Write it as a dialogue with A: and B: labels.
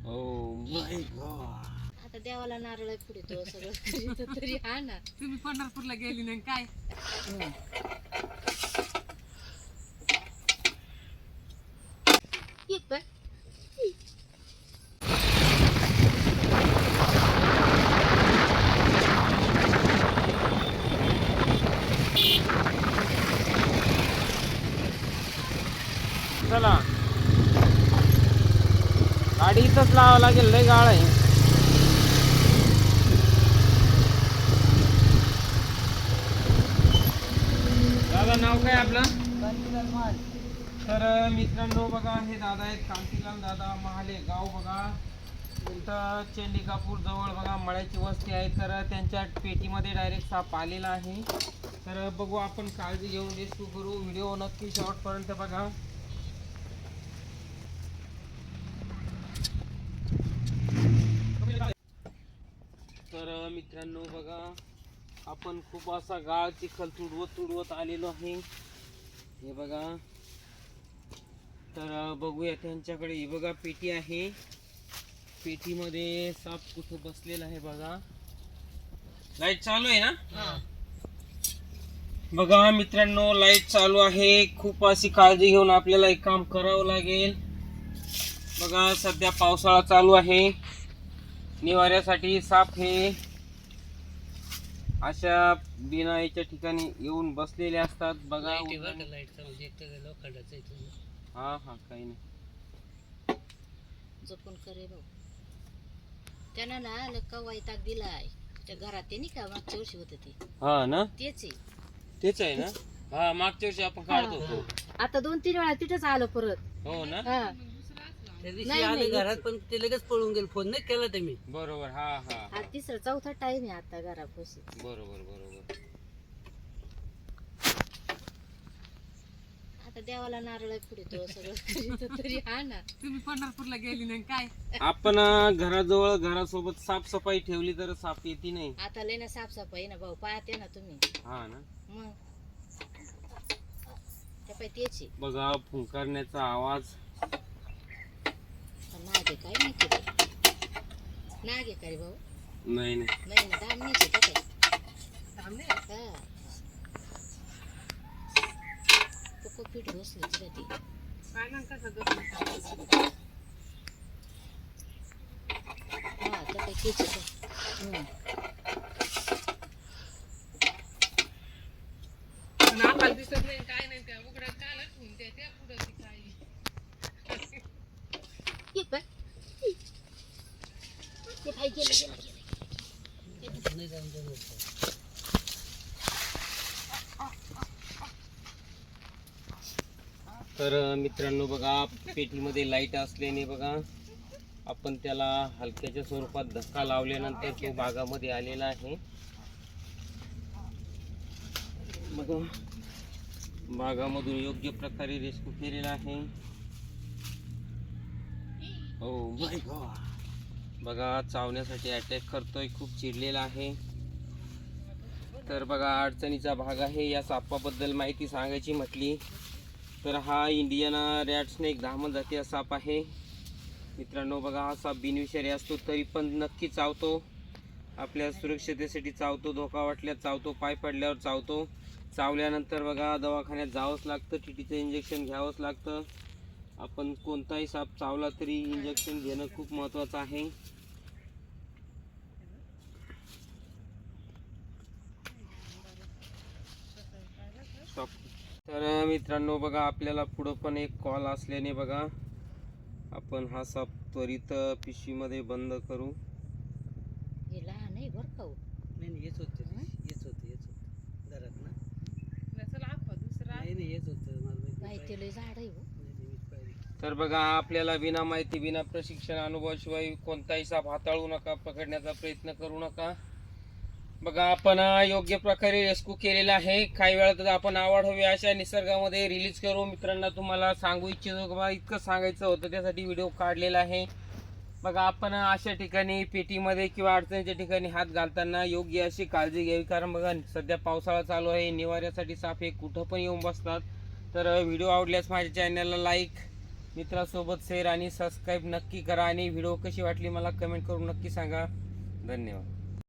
A: आता देवाला नारळ पुढे तो सगळं करीत तरी हा ना.
B: तुम्ही पंढरपूरला गेली नाही काय?
A: एक बघ.
C: चला गाडी इथंच लावावं लागेल, लय गाळ आहे. दादा नाव काय आपलं? तर मित्रांनो बघा, हे दादा आहेत कांतीलाल दादा महाले, गाव बघा इथं चेंडिकापूर जवळ बघा मळ्याची वस्ती आहे. तर त्यांच्या पेटीमध्ये डायरेक्ट साप आलेला आहे. तर बघू आपण, काळजी घेऊन रेस्क्यू करू. व्हिडिओ नक्की शेवटपर्यंत बघा. तर मित्रांनो बघा, आपण खूप असा गाळ चिखल तुडवत आलेलो आहे. हे बघा, तर बघूया त्यांच्याकडे. ही बघा पेटी आहे, पेटीमध्ये साप कुठं बसलेला आहे बघा. लाईट चालू आहे ना? बघा मित्रांनो, लाईट चालू आहे. खूप अशी काळजी घेऊन आपल्याला एक काम करावं लागेल. बघा सध्या पावसाळा चालू आहे, निवाऱ्यासाठी साप हे अशा बिनाईच्या ठिकाणी येऊन बसलेले असतात बघा. हा हा, काही नाही,
A: जपून करे भाऊ. त्यानं ना लक्का वैताग दिलाय त्या घरात. ते नाही का मागच्या वर्षी होत ते?
C: हा ना,
A: तेच आहे.
C: तेच आहे ना. हा, मागच्या वर्षी आपण काढत होतो.
A: आता 2-3 वेळा तिथेच आलं परत.
C: हो ना,
A: हा.
B: त्या दिवशी आले घरात, पण ते लगेच पळून गेले. फोन नाही केला तुम्ही?
C: बरोबर. हा हा,
A: हा तिसरा चौथा टाइम आहे आता घरापाशी.
C: बरोबर बरोबर.
A: आता देवाला नारळ पुढे तो सगळं करीत तरी हा ना.
B: तुम्ही पंढरपूरला गेली नाही काय?
C: आपण घराजवळ घरासोबत साफसफाई ठेवली तर साप येते नाही.
A: आता लय ना साफसफाई ना भाऊ, पाहते ना तुम्ही.
C: हा ना,
A: मग त्या पाय त्याची
C: बघा फुंकारण्याचा आवाज.
A: नाग आहे काय माहिती रे. नाग आहे का रे भाऊ?
C: नाही नाही,
A: नाही ना, दाम नाही काय हा. तो पीठ घोसली तिला ती.
B: काय म्हणता सगळं?
A: हा तर काही केच.
B: नाकाला दिसत नाही काय नाही, त्या उघड्या कालच होऊन त्या पुढं ती काय.
A: एक बघ. ते भाई गेलं.
C: तर मित्रांनो बघा, पेटीमध्ये लाईट असल्याने बघा आपण त्याला हलक्याच्या स्वरूपात धक्का लावल्यानंतर तो भागामध्ये आलेला आहे. बघा भागामधून योग्य प्रकारे रेस्क्यू केलेला आहे. ओ माय गॉड, बघा चावण्यासाठी अटॅक करतोय, खूप चिडलेला आहे. तर बघा अडचणीचा भाग आहे. या सापाबद्दल माहिती सांगायची म्हटली तर हा इंडियन रॅट स्नेक धामण जातीय साप आहे. मित्रांनो बघा, हा साप बिनविषारी असतो तरी पण नक्की चावतो. आपल्या सुरक्षितेसाठी चावतो, धोका वाटल्यास चावतो, पाय पडल्यावर चावतो. चावल्यानंतर बघा दवाखान्यात जावंच लागतं, टीटीचं इंजेक्शन घ्यावंच लागतं. आपण कोणताही साप चावला तरी इंजेक्शन घेणं खूप महत्त्वाचं आहे. तर मित्रांनो बघा, आपल्याला पुढं पण एक कॉल असल्याने बघा आपण हा साप त्वरित पिशवीमध्ये बंद करू.
A: हे लहान आहे बरं का.
B: नाही हेच होते घरात ना. चला आपण दुसरा नाही हेच होतं
A: माहिती लय झाड आहे.
C: तर बघा, आपल्याला बिना माहिती बिना प्रशिक्षण अनुभवाशिवाय कोणताही साप हाताळू नका, पकडण्याचा प्रयत्न करू नका. बघा आपण योग्य प्रकारे रेस्क्यू केलेला आहे. काही वेळात आपण आवड हवी अशा निसर्गामध्ये रिलीज करू. मित्रांना तुम्हाला सांगू इच्छितो बघा, इतकं सांगायचं होतं त्यासाठी व्हिडिओ काढलेला आहे. बघा आपण अशा ठिकाणी पेटीमध्ये किंवा अडचणीच्या ठिकाणी हात घालताना योग्य अशी काळजी घ्यावी. कारण बघा सध्या पावसाळा चालू आहे, निवाऱ्यासाठी साप हे कुठं पण येऊन बसतात. तर व्हिडिओ आवडल्यास माझ्या चॅनलला लाईक मित्रासोबत शेअर आणि सबस्क्राईब नक्की करा आणि व्हिडिओ कशी वाटली मला कमेंट करून नक्की सांगा. धन्यवाद.